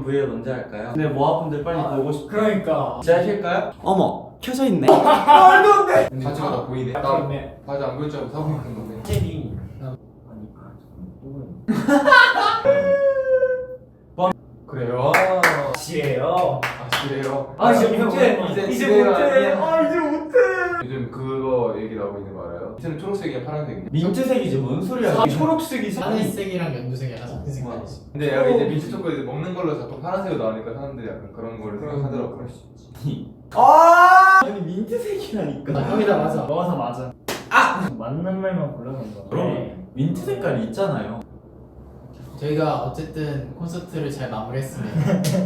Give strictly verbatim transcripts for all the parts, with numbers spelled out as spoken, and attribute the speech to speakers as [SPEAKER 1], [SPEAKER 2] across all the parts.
[SPEAKER 1] 부위를 먼저 할까요? 근데 모아분들 빨리
[SPEAKER 2] 아,
[SPEAKER 1] 보고 싶어.
[SPEAKER 2] 그러니까.
[SPEAKER 1] 진짜 하실까요? 어머 켜져 있네.
[SPEAKER 2] 말도 안 돼.
[SPEAKER 3] 바지가 다 보이네. 나
[SPEAKER 2] 그렇네.
[SPEAKER 3] 바지 안 보일 줄 알고 사고 있는 거네.
[SPEAKER 2] 제비.
[SPEAKER 3] 그래요?
[SPEAKER 2] 지혜요.
[SPEAKER 3] 아 지래요?
[SPEAKER 2] 아 이제 못해.
[SPEAKER 3] 이제
[SPEAKER 2] 이제
[SPEAKER 3] 지혜가
[SPEAKER 2] 못해.
[SPEAKER 3] 아니에요?
[SPEAKER 2] 아 이제 못해.
[SPEAKER 3] 요즘 그거 얘기 나오고 있는 거 알아요? 밑에는 초록색이야 파란색이야.
[SPEAKER 1] 민트색이지 뭔 소리야?
[SPEAKER 2] 아, 초록색이
[SPEAKER 4] 하늘색이랑 연두색이 약간 섞인 색깔이지.
[SPEAKER 3] 근데 약간 이제 민트 초코 이제 먹는 걸로 자꾸 파란색으로 나오니까 사람들이 약간 그런 거를 생각하더라고. 그럴 수 있지.
[SPEAKER 1] 아 아니 민트색이라니까.
[SPEAKER 4] 아, 형이 다 맞아.
[SPEAKER 2] 너가 다 맞아. 아 맞는 말만 골라놓은 거.
[SPEAKER 1] 그럼 민트 색깔이 있잖아요.
[SPEAKER 4] 저희가 어쨌든 콘서트를 잘 마무리했습니다.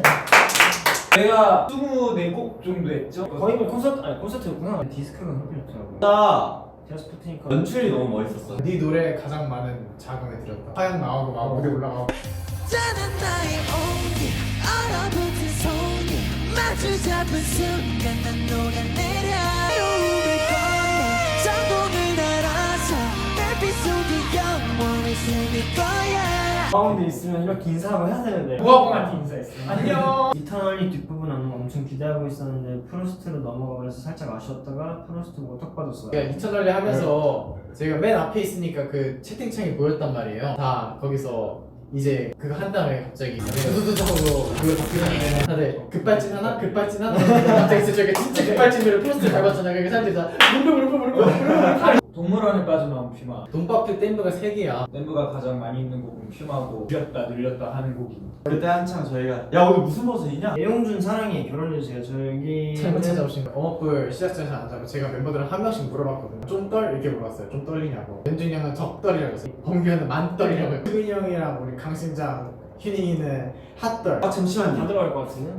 [SPEAKER 2] 내가 이십사 곡 정도 했죠? 거의 뭐 콘서트 아니 콘서트였구나. 디스크가 그렇게 좋더라고.
[SPEAKER 1] 나
[SPEAKER 2] 제가 스푸트니까
[SPEAKER 1] 연출이 너무 멋있었어.
[SPEAKER 4] 네 노래에 가장 많은 자금을 들였다. 화양 나오고 막 무대 올라가고.
[SPEAKER 5] 짠한 나의 온기 얼어붙은 손이 마주 잡은 순간 난 녹아내려 꿈을 건너 장봉을 날아서 내 빗속에 영원히 새길 거야.
[SPEAKER 2] 가운데 있으면 이렇게 인사하고 해야 되는데
[SPEAKER 4] 우아봉한테
[SPEAKER 2] 인사했어. 안녕. 이터널리 뒷부분 안무 엄청 기대하고 있었는데 프로스트로 넘어가 버려서 살짝 아쉬웠다가 프로스트 보고 턱 빠졌어요.
[SPEAKER 4] 그러니까 이터널리 하면서 저희가 맨 앞에 있으니까 그 채팅창이 보였단 말이에요. 다 거기서 이제 그거 한 다음에 갑자기 두두두두하고 그걸 바뀌었는데 다들 급발진 하나? 급발진 하나? 갑자기 진짜 저희가 진짜 급발진으로 포스트를 밟았잖아요. 그러니까 사람들이 다 무릎 무릎 무릎 무릎
[SPEAKER 2] 동물원에 빠져나온 퓨마.
[SPEAKER 4] 돈밥표 댐브가 세 개야.
[SPEAKER 2] 댄브가 가장 많이 있는 곡은 퓨마고 줄였다 늘렸다 하는 곡이.
[SPEAKER 1] 그때 한창 저희가 야 오늘 무슨 버전이냐?
[SPEAKER 2] 애용준 사랑이 결혼해주세요. 저기
[SPEAKER 4] 잘못 찾아오신 거예요. 웜업을 시작자에서 안 자고 제가 멤버들을 한 명씩 물어봤거든요. 좀 떨? 이렇게 물어봤어요. 좀 떨리냐고. 연준이 형은 적떨이라고 했어요. 범규 형은 만떨이라고 했고 수빈이 형이랑 우리 강신장, 휴닝이는 핫떨.
[SPEAKER 1] 아 잠시만요.
[SPEAKER 2] 다 들어갈 것 같은데.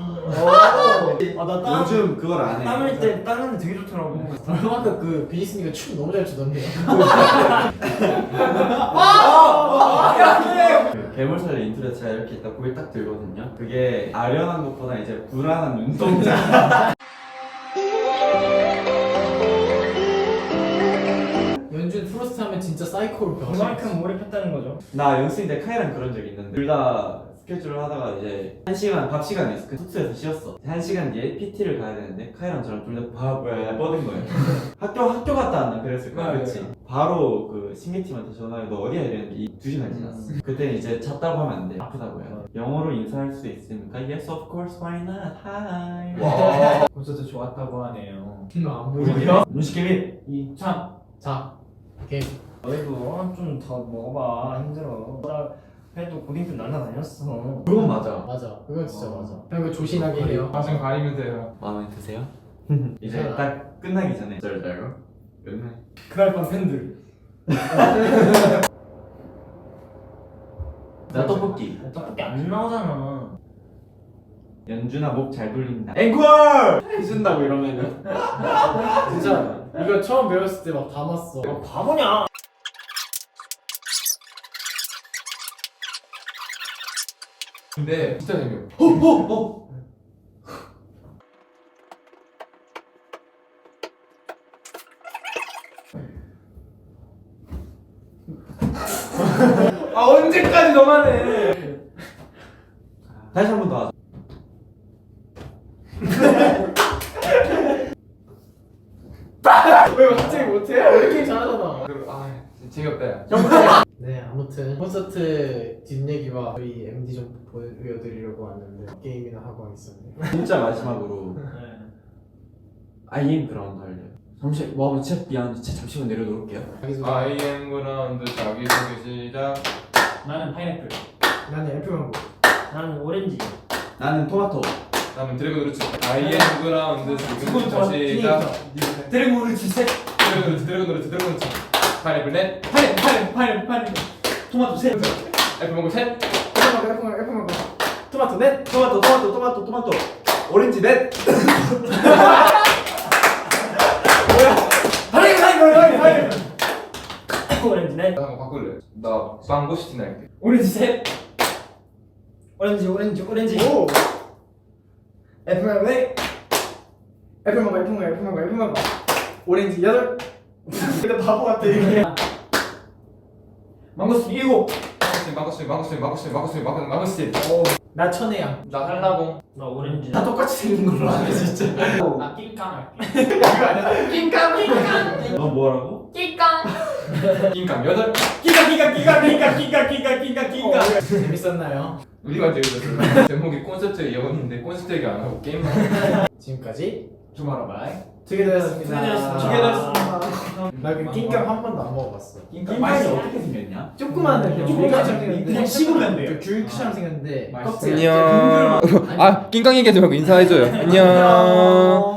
[SPEAKER 2] 아나 땀.
[SPEAKER 1] 요즘 그걸 안 해.
[SPEAKER 2] 땀 흘릴 때 땀 흘릴 때 되게 좋더라고.
[SPEAKER 4] 아까 그 비니스니가 춤 너무 잘 추던데요.
[SPEAKER 1] 그 괴물살의 인트로에 제가 이렇게 있다 고개 딱 들거든요. 그게 아련한 것보다 이제 불안한 눈동자.
[SPEAKER 4] 연준 프로스트 하면 진짜 사이코로 변해.
[SPEAKER 2] 그만큼 몰입했다는 거죠.
[SPEAKER 1] 나 연습생 때 카이랑 그런 적이 있는데 둘 다 스케줄을 하다가 이제 한 시간 밥 시간에 있어. 그 숙소에서 쉬었어. 한 시간 뒤에 피티를 가야 되는데 카이랑 저랑 둘 다 바보야 뻗은 거예요. 학교 학교 갔다 왔나 그랬을 거야.
[SPEAKER 2] 네,
[SPEAKER 1] 그렇지.
[SPEAKER 2] 네.
[SPEAKER 1] 바로 그 신기팀한테 전화해 너 어디야 이랬는데 이 두 시간 지났어.
[SPEAKER 2] 음.
[SPEAKER 1] 그때는 이제 잤다고 하면 안 돼. 아프다고 해요.
[SPEAKER 2] 어.
[SPEAKER 1] 영어로 인사할 수 있습니까? Yes of course why not? Hi.
[SPEAKER 2] 와. 콘서트 좋았다고 하네요.
[SPEAKER 4] 안 보이네.
[SPEAKER 1] 문식개미
[SPEAKER 2] 이참
[SPEAKER 4] 자, 게임.
[SPEAKER 2] 너희도 좀 더 먹어봐. 힘들어. 나 그래도 고딩 때 날라다녔어.
[SPEAKER 1] 그건 맞아.
[SPEAKER 4] 맞아. 그건 진짜
[SPEAKER 1] 어.
[SPEAKER 4] 맞아. 형 이거 조신하게 해요.
[SPEAKER 3] 가슴 가리면서 해요.
[SPEAKER 1] 마음에 드세요? 이제 딱 끝나기 전에 절 알고 끝나.
[SPEAKER 2] 그날 밤 팬들.
[SPEAKER 1] 나 떡볶이.
[SPEAKER 2] 떡볶이 안 나오잖아.
[SPEAKER 1] 연준아 목 잘 돌린다. 앵콜 해준다고 이러면은.
[SPEAKER 4] 진짜 이거 처음 배웠을 때 막 담았어.
[SPEAKER 2] 너 바보냐?
[SPEAKER 3] 근데 진짜 재미없어.
[SPEAKER 1] 어어어.
[SPEAKER 2] 아 언제까지 너만 해?
[SPEAKER 1] 다시 한 번 더 하자.
[SPEAKER 4] 왜 갑자기 못해? 왜 이렇게 잘하잖아.
[SPEAKER 3] 그리고 아 진짜 재미없다 야.
[SPEAKER 4] 네, 아무튼 콘서트 뒷얘기와 저희 엠디 좀 보여드리려고 왔는데 게임이나 하고 하겠습니다.
[SPEAKER 1] 진짜 마지막으로 아이엠 그라운드 할래요. 잠시 와 진짜 미안한데 진짜 잠시만 내려놓을게요.
[SPEAKER 4] 자기소개.
[SPEAKER 3] I am 그라운드 자기소개 시작.
[SPEAKER 2] 나는 파인애플.
[SPEAKER 4] 나는 애플망고.
[SPEAKER 2] 나는 오렌지.
[SPEAKER 1] 나는 토마토.
[SPEAKER 3] 다음은 드래곤 루츠. I am 그라운드 지금부터 시작.
[SPEAKER 2] 드래곤 오렌지 셋.
[SPEAKER 3] 드래곤 루츠 드래곤 루츠 드래곤 루츠. 파인애플 넷.
[SPEAKER 2] 파인애플 파인애플 파인애플 파인애플. 토마토 셋.
[SPEAKER 3] 애플 망고 셋.
[SPEAKER 4] 애플망고 애플망고 애플망고. 토마토 넷.
[SPEAKER 1] 토마토 토마토 토마토 토마토. 오렌지 넷.
[SPEAKER 2] 파인애플 파인애플 파인애플. 오렌지 넷.
[SPEAKER 3] 나 한번 바꿀래. 나 망고시티 날게.
[SPEAKER 2] 오렌지 셋. 오렌지 오렌지 오렌지.
[SPEAKER 4] 오.
[SPEAKER 2] 애플 왜?
[SPEAKER 4] 애플망고 애플망고 애플망고 애플망고. 오렌지 여덟. 근데 바보 같아 이게.
[SPEAKER 2] 망고스틴 일곱.
[SPEAKER 3] 망고스틴 마구스틴 마구스틴 마구스틴 마구스틴 마구스틴 마구스틴.
[SPEAKER 4] 나 천혜야.
[SPEAKER 3] 나 한라봉.
[SPEAKER 2] 나 오렌지.
[SPEAKER 4] 다 똑같이 생긴 걸로 하네 진짜.
[SPEAKER 6] 나 낑깡
[SPEAKER 1] 너 뭐라고?
[SPEAKER 6] 낑깡
[SPEAKER 3] 낑깡 여덟.
[SPEAKER 1] 끼가 끼가 끼가 끼가 끼가 끼가 끼가 끼가.
[SPEAKER 4] 재밌었나요?
[SPEAKER 3] 우리가 재밌었어요. 제목이 콘서트 이었는데 콘서트 얘기 안 하고 게임만.
[SPEAKER 4] 지금까지
[SPEAKER 6] 투모로우바이
[SPEAKER 4] 투게더였습니다.
[SPEAKER 2] 투게더였습니다.
[SPEAKER 4] 나그 낑깡 한 번도 안 먹어봤어.
[SPEAKER 1] 낑깡이 어떻게 생겼냐?
[SPEAKER 4] 조그만
[SPEAKER 2] 그냥
[SPEAKER 4] 조그만처럼
[SPEAKER 2] 그냥
[SPEAKER 4] 생겼는데
[SPEAKER 2] 그냥 씹으면 돼요.
[SPEAKER 4] 그 귤처럼 생겼는데
[SPEAKER 6] 맛있어요.
[SPEAKER 4] 껍질
[SPEAKER 3] 안녕. 아 낑깡 얘기하지 말고 인사해줘요. 안녕.